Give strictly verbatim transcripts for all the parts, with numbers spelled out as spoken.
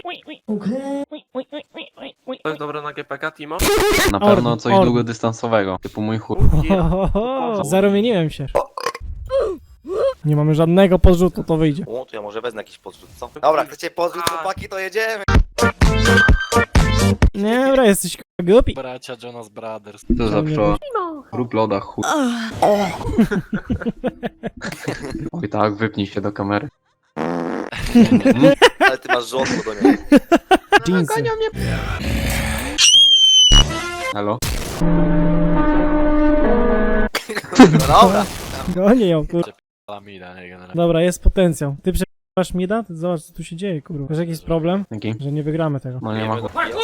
To jest dobre na G P K, Timo? Na pewno Orn, coś orn. długodystansowego, typu mój chór. Ohoho, zarumieniłem się. Nie mamy żadnego podrzutu, to wyjdzie. O, to ja może wezmę jakiś podrzut, co? Dobra, chcecie podrzut, chłopaki, to jedziemy! Nie, dobra, jesteś k***a głupi. Bracia Jonas Brothers. To zawsze rób loda chór. Oj tak, wypnij się do kamery. Ale ty masz żołądko do niego. Jeansy. Halo? No dobra. Gonię ją, kurwa. Lamida, nie generalnie. Dobra, jest potencjał. Ty przepraszasz Mida? Ty zobacz, co tu się dzieje, kurwa. Masz jakiś problem? Dzięki. Że nie wygramy tego. No nie ma.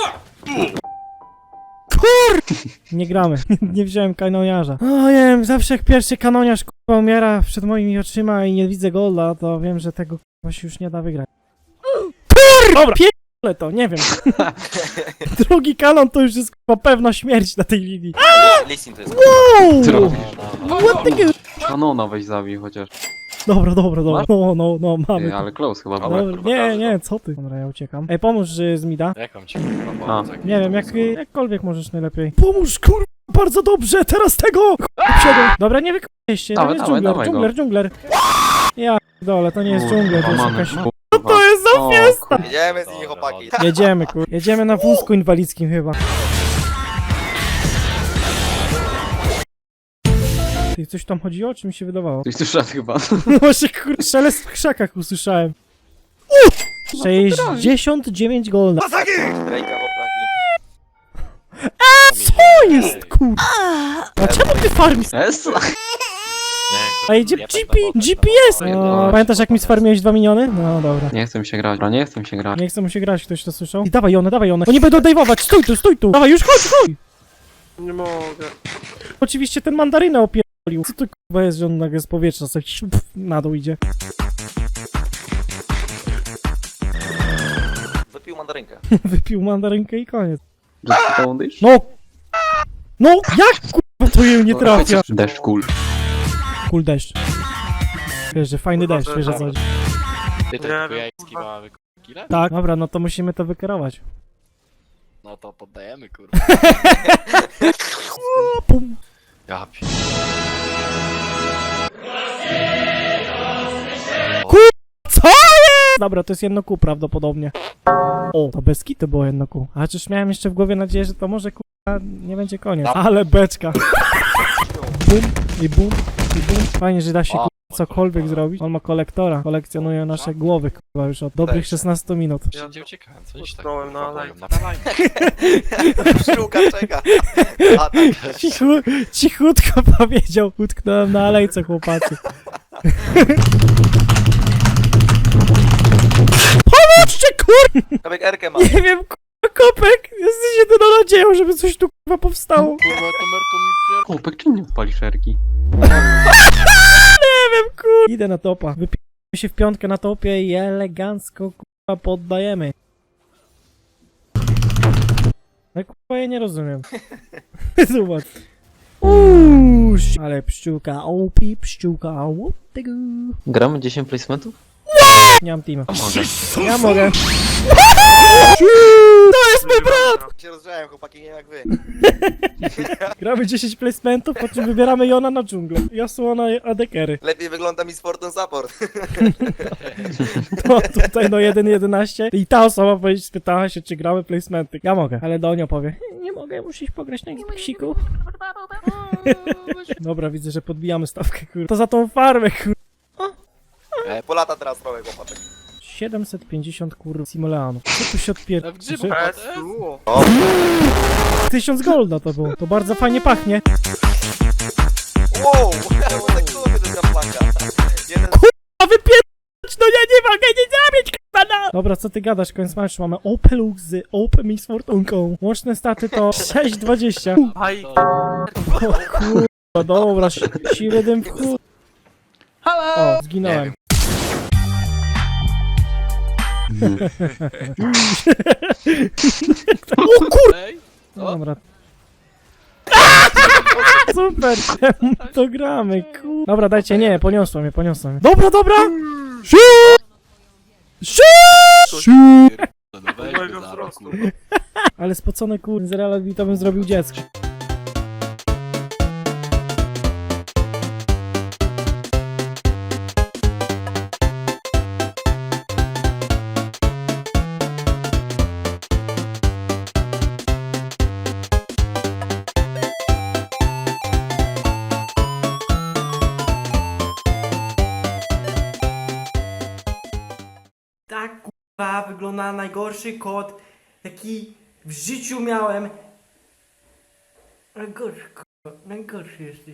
Nie gramy. Nie wziąłem kanoniarza. O, nie wiem, zawsze jak pierwszy kanoniarz kurwa umiera przed moimi oczyma i nie widzę golda, to wiem, że tego kurwa się już nie da wygrać. Kur! Dobra, pierdolę to, nie wiem. Drugi kanon to już jest kurwa pewna śmierć na tej linii. Listing to jest. Wow! Co robisz? What the g- Kanona weź zabij chociaż. Dobra, dobra, dobra. No, no, no, Ty, mamy. ale close chyba Dobra. było. Dobra, nie, nie, co ty? Dobra, ja uciekam. Ej, pomóż y, z Mida. Jaką ci kurwa A. pomóc? jak Nie wiem, to jak, znowu? jakkolwiek możesz najlepiej. Pomóż, kurwa, bardzo dobrze, teraz tego! Kurwa, dobra, nie wykończcie, to Dawaj, jest dawaj, dżungler, dawaj go. dżungler, dżungler. Ja dole, to nie jest dżungler, to jest Łamany. jakaś... Co to jest za fiesta? Jedziemy z nimi, chłopaki. Jedziemy, kur... Jedziemy na wózku inwalidzkim chyba. Ty, coś tam chodziło, czy mi się wydawało? Coś tu szedł chyba. No właśnie, kur... szelest w krzakach usłyszałem. sześćdziesiąt dziewięć golda. Rejka, chłopaki. Co jest, kur... A czemu ty farmisz? Es? Nie, A idzie ja G tak P, na G boku, P no. S! O, pamiętasz jak mi sfarmiłeś dwa miniony? No dobra. Nie chcę mi się grać, dobra, nie chcę mi się grać. Nie chcę mu się grać, ktoś to słyszał? I dawaj one, dawaj one. Oni będą dajwować, stój tu, stój tu! Dawaj, już chodź, chodź! Nie mogę. Oczywiście ten mandarynę opierdolił. Co to kurwa jest, że on nagle z powietrza sobie pff, na dół idzie. Wypił mandarynkę. Wypił mandarynkę i koniec. Just poundage? No! No! Jak kurwa to jej nie trafia? Deszcz kul. Cool deszcz. Wiesz, że fajny deszcz, wiesz o co chodzi. Ty to Nie tylko wiem, jajski ma kile? Tak, dobra, no to musimy to wykierować. No to poddajemy kurwa. O, pum. Ja pi... Co jest? Dobra, to jest jedno kół prawdopodobnie. O, to bez kitu było jedno kół. A czyż miałem jeszcze w głowie nadzieję, że to może kurwa nie będzie koniec. Ale beczka. Bum i bum i bum. Fajnie, że da się kurwa cokolwiek zrobić. On ma kolektora. Kolekcjonuje nasze głowy kurwa już od dobrych szesnastu minut. Wszędzie uciekałem, co ci tak Utknąłem na kurwa alej. powiem, na alej. Pszczółka czeka. A tak. Cichu, cichutko powiedział. Utknąłem na alejce, chłopacy. Pomóżcie, kur... Kabek Erkę ma. Nie wiem, kurwa, Kopek. Jesteś jedyną nadzieją, żeby coś tu kurwa powstało. Kurwa, to Merko mi pier... Kopek, czym nie odpalisz erki? Nie wiem, kur... Idę na topa. Wypijemy się w piątkę na topie i elegancko, kurwa, poddajemy. No kurwa, ja nie rozumiem. Zobacz. Uuu, ale pszczółka, opi, pszczółka, what the go. Gramy dziesięć placementów? Nie mam teama. A mogę. Ja mogę. To jest mój brat! Się rozgrzałem, chłopaki, nie wiem jak wy. Gramy dziesięć placementów, po czym wybieramy Jona na dżunglę. Yasuo adekery. Lepiej wygląda mi Fortune Support. To tutaj no jeden jedenaście. I ta osoba powiedzieć, spytała się, czy gramy placementy. Ja mogę, ale Donio powie. Nie mogę, musisz pograć na Xboxiku. Dobra, widzę, że podbijamy stawkę, kur... To za tą farmę, kur... Polata teraz trochę, chłopaczek. siedemset pięćdziesiąt kur... Simoleanów. Co tu się odpier... W grzybu, Że- patrz. O, Tysiąc golda to było. To bardzo fajnie pachnie. wow! Tak kurwa, to jest flanka. Jeden A wypierdać, no ja nie mogę nie zabić, k***a! Dobra, co ty gadasz, koniec meczu. Mamy Opelux z Open z Fortunką. Łączne staty to sześć dwadzieścia. Aj, O kurwa, dobra, si- siły dym w chuj. O, zginąłem. O kur... ej. Dobra. Super, to gramy, kur... Dobra, dajcie, nie, poniosło mnie, poniosło mnie. Dobra, dobra! Siu! Siu! Siu! Pierdolę, kurwa. Ale spocone kur... z Real to bym zrobił dziecko. Tak kurwa wygląda najgorszy kot, jaki w życiu miałem. Najgorszy kurwa, najgorszy jesteś.